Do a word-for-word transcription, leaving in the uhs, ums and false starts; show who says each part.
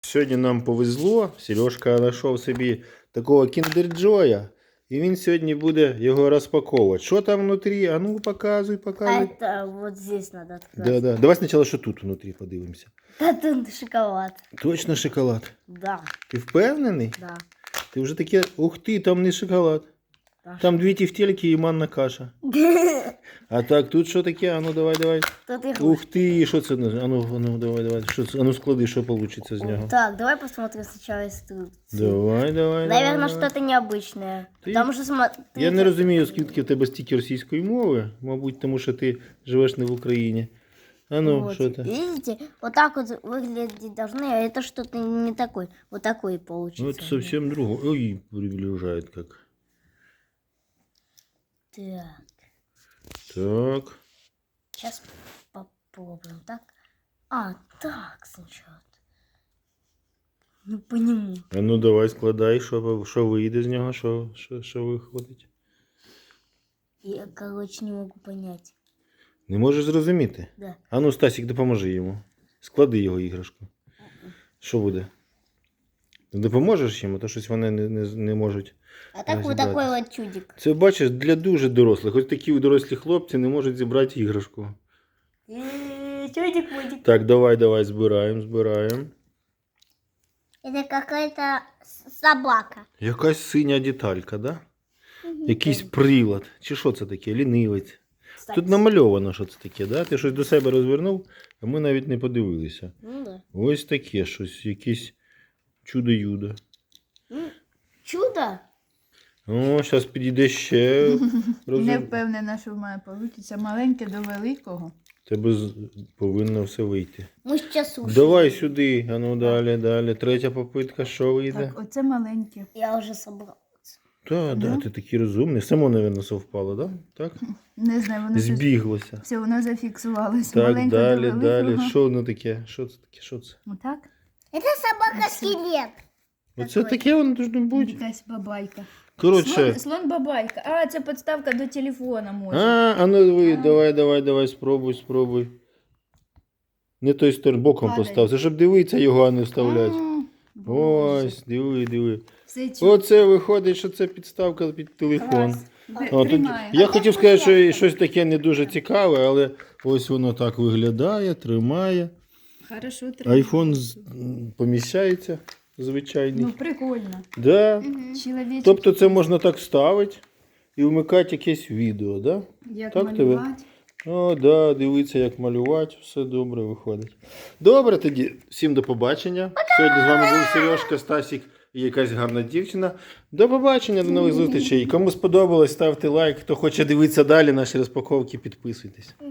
Speaker 1: Сьогодні нам повезло, Сережка знайшов собі такого кіндер-джоя, і він сьогодні буде його розпаковувати. Що там внутрі? А ну показуй, показуй.
Speaker 2: Это вот здесь надо открыть.
Speaker 1: Да, да. Давай спочатку, що тут внутрі подивимося.
Speaker 2: Да, тут шоколад.
Speaker 1: Точно шоколад.
Speaker 2: Да,
Speaker 1: Ти впевнений?
Speaker 2: да.
Speaker 1: Ти вже таке, ух ти, там не шоколад.
Speaker 2: да.
Speaker 1: Там дві тефтельки і манна каша. А так, тут що таке? А ну давай, давай.
Speaker 2: Тут их...
Speaker 1: Ух ти, що це? А ну, а ну давай, давай. Що це? А ну склади, що вийде з нього.
Speaker 2: Так, давай посмотрим сначала инструкцию.
Speaker 1: Давай, давай.
Speaker 2: Наверное,
Speaker 1: давай, давай.
Speaker 2: что-то необычное.
Speaker 1: Ты-
Speaker 2: Потому что смотри...
Speaker 1: Я не розумію, скільки в тебе стільки російської мови, мабуть, тому що ти живеш не в Україні. А ну,
Speaker 2: Вот,
Speaker 1: що це?
Speaker 2: видите, вот так вот выглядеть должны, а это что-то не такой. Вот такой получится.
Speaker 1: Ну, це зовсім друге. Ой, приближає як.
Speaker 2: Так,
Speaker 1: Так.
Speaker 2: сейчас попробуем. Так? А, так сначала. Ну, по нему.
Speaker 1: А ну давай складай, що, що вийде з нього, що, що, що виходить.
Speaker 2: Я, короче, не могу понять.
Speaker 1: Не можеш зрозуміти?
Speaker 2: Да.
Speaker 1: А ну, Стасік, допоможи йому. Склади його іграшку. Що буде? Ти допоможеш йому, то щось вони не, не, не можуть.
Speaker 2: А так вот
Speaker 1: зібрати.
Speaker 2: такой вот чудик.
Speaker 1: Це, бачиш, для дуже дорослих. Ось такі дорослі хлопці не можуть зібрати іграшку.
Speaker 2: Э, Чудик будет.
Speaker 1: Так, давай, давай, збираємо, збираємо.
Speaker 2: Это какая-то собака.
Speaker 1: Якась синя деталька, да? Якийсь прилад. Чи що це таке? Лінивець. Тут намальовано, що це таке, да? Ти щось до себе розвернув, а ми навіть не подивилися.
Speaker 2: Ну да.
Speaker 1: Ось таке щось, якесь чудо-юдо.
Speaker 2: Ну, чудо?
Speaker 1: О, зараз підійде ще.
Speaker 3: Не
Speaker 1: Розум...
Speaker 3: впевнена, що в мене вийде. Маленьке до великого.
Speaker 1: Тебе з- повинно все вийти.
Speaker 2: Мы сейчас слушаем.
Speaker 1: Давай сюди, а ну далі, далі. Третя попитка, що вийде?
Speaker 3: Так, оце маленьке.
Speaker 2: Я уже собрал.
Speaker 1: Так, да,
Speaker 3: Да?
Speaker 1: ти такий розумний. Само, мабуть, совпало, да? Так?
Speaker 3: Не знаю, воно щось...
Speaker 1: Збіглося.
Speaker 3: Все, воно зафіксувалося.
Speaker 1: Так,
Speaker 3: Маленьке
Speaker 1: далі,
Speaker 3: до
Speaker 1: далі.
Speaker 3: великого.
Speaker 1: Що воно таке? Що це таке? Що це?
Speaker 3: Отак?
Speaker 2: Это собака-скелет.
Speaker 1: Оце таке воно должно бути.
Speaker 3: Якась бабайка.
Speaker 1: Коротше.
Speaker 3: Слон, слон бабайка. А, це підставка до телефона може.
Speaker 1: А, а ну ви, давай, давай, давай, спробуй, спробуй. Не той сторону, боком
Speaker 3: Падає.
Speaker 1: постав. Це щоб дивитися його, а не вставляти.
Speaker 3: М, Боже.
Speaker 1: Ось, диви, диви.
Speaker 3: Все чудо.
Speaker 1: Оце виходить, що це підставка під телефон.
Speaker 3: Д-
Speaker 1: О, тут,
Speaker 3: Тримає.
Speaker 1: я хотів сказати, що і щось таке не дуже цікаве, але ось воно так виглядає, тримає.
Speaker 3: Хорошо, тримає.
Speaker 1: Айфон з- м, поміщається, звичайний.
Speaker 3: Ну, прикольно.
Speaker 1: Да.
Speaker 3: Чоловічок.
Speaker 1: Тобто це можна так ставити і вмикати якесь відео, да?
Speaker 3: Як
Speaker 1: так тебе?
Speaker 3: малювати.
Speaker 1: О, да, дивіться, як малювати, все добре виходить. Добре тоді, всім до побачення. Сьогодні з вами був Сережка, Стасік і якась гарна дівчина. До побачення, до нових зустрічей. Кому сподобалось, ставте лайк. Хто хоче дивитися далі наші розпаковки, підписуйтесь.